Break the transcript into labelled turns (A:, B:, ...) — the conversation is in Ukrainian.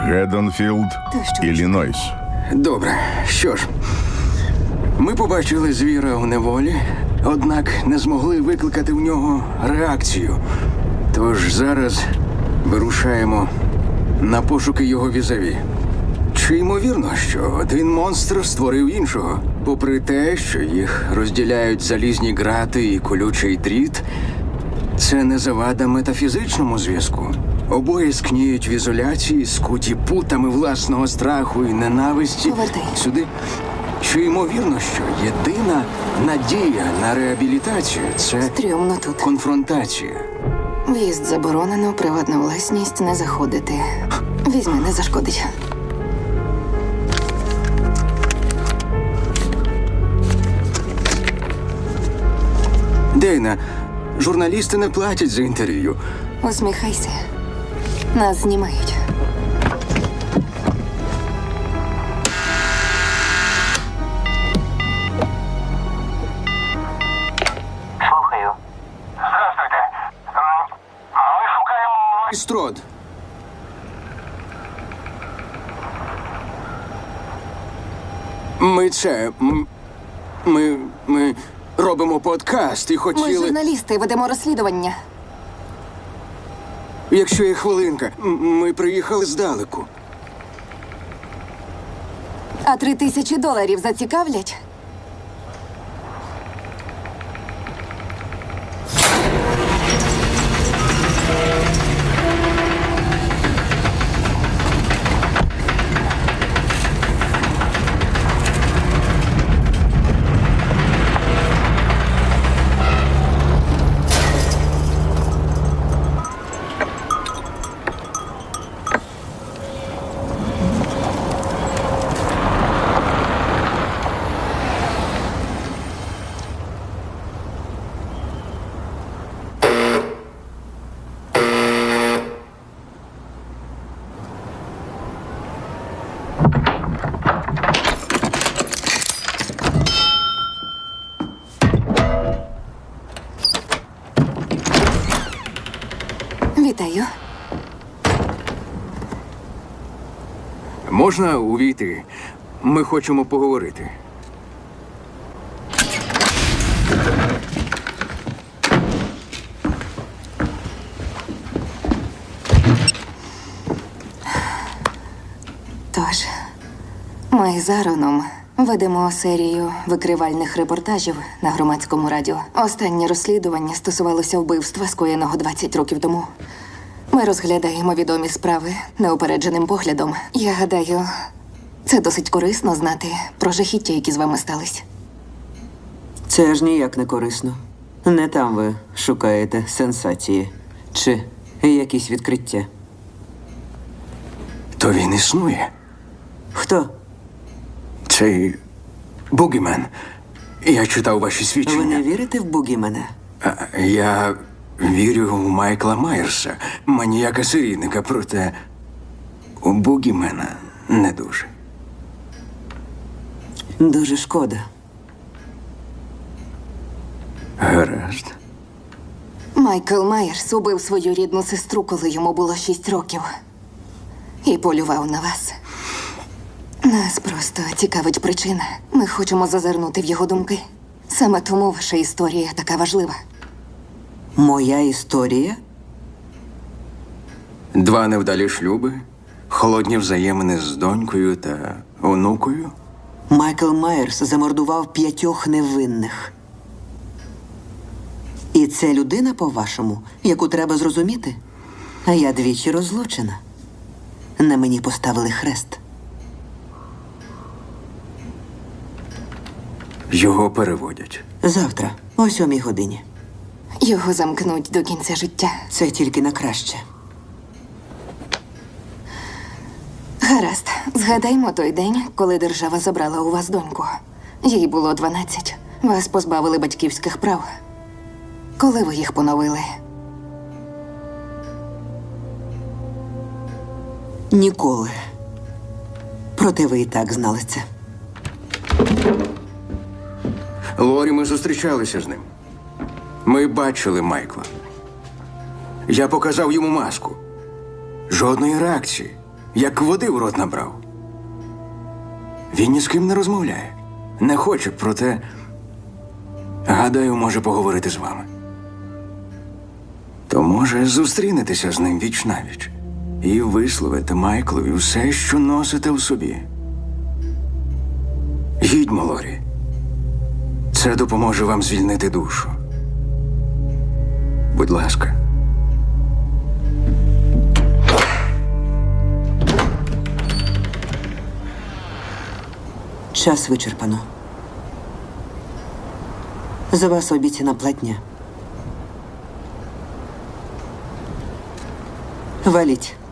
A: Геддонфілд, Іллінойс.
B: Добре, що ж. Ми побачили звіра у неволі, однак не змогли викликати в нього реакцію. Тож зараз вирушаємо на пошуки його візаві. Чи ймовірно, що один монстр створив іншого? Попри те, що їх розділяють залізні грати і колючий дріт, це не завада метафізичному зв'язку. Обоє скніють в ізоляції, скуті путами власного страху і ненависті.
C: Повертай.
B: Сюди. Чи ймовірно, що єдина надія на реабілітацію – це
C: Стрьомно тут.
B: конфронтація?
C: В'їзд заборонено, приватна власність не заходити. Візьми, не зашкодить.
B: Дейна, журналісти не платять за інтерв'ю.
C: Усміхайся. Нас знімають.
D: Слухаю. Здравствуйте. Ми шукаємо...
B: Строд. Ми робимо подкаст і
C: Ми
B: хотіли...
C: журналісти, ведемо розслідування.
B: Якщо є хвилинка, ми приїхали здалеку.
C: А $3000 зацікавлять? Вітаю.
B: Можна увійти? Ми хочемо поговорити.
C: Тож, ми з Ароном ведемо серію викривальних репортажів на громадському радіо. Останнє розслідування стосувалося вбивства, скоєного 20 років тому. Ми розглядаємо відомі справи неупередженим поглядом. Я гадаю, це досить корисно знати про жахіття, які з вами стались.
E: Це аж ніяк не корисно. Не там ви шукаєте сенсації чи якісь відкриття.
B: То він існує.
E: Хто?
B: Цей Бугімен. Я читав ваші
E: Ви не
B: свідчення.
E: вірите в Бугімена?
B: Я вірю у Майкла Майерса, маніяка-серійника, проте у Бугімена не дуже.
E: Дуже шкода.
B: Гаразд.
C: Майкл Майерс убив свою рідну сестру, коли йому було 6 років. І полював на вас. Нас просто цікавить причина. Ми хочемо зазирнути в його думки. Саме тому ваша історія така важлива.
E: Моя історія?
B: 2 невдалі шлюби, холодні взаємини з донькою та онукою.
E: Майкл Майерс замордував 5 невинних. І це людина, по-вашому, яку треба зрозуміти? А я двічі розлучена. На мені поставили хрест.
B: Його переводять.
E: Завтра, о 7 годині.
C: Його замкнуть до кінця життя.
E: Це тільки на краще.
C: Гаразд, згадаймо той день, коли держава забрала у вас доньку. Їй було 12. Вас позбавили батьківських прав. Коли ви їх поновили?
E: Ніколи. Проте ви і так знали це.
B: Лорі, ми зустрічалися з ним. Ми бачили Майкла. Я показав йому маску. Жодної реакції. як води в рот набрав. Він ні з ким не розмовляє. Не хоче, проте, гадаю, може поговорити з вами. То, може, зустрінетеся з ним віч-навіч і висловите Майклові все, що носите в собі. Їдьмо, Лорі. Це допоможе вам звільнити душу. Будь ласка.
E: Час вичерпано. За вас обіцяна платня. Валіть.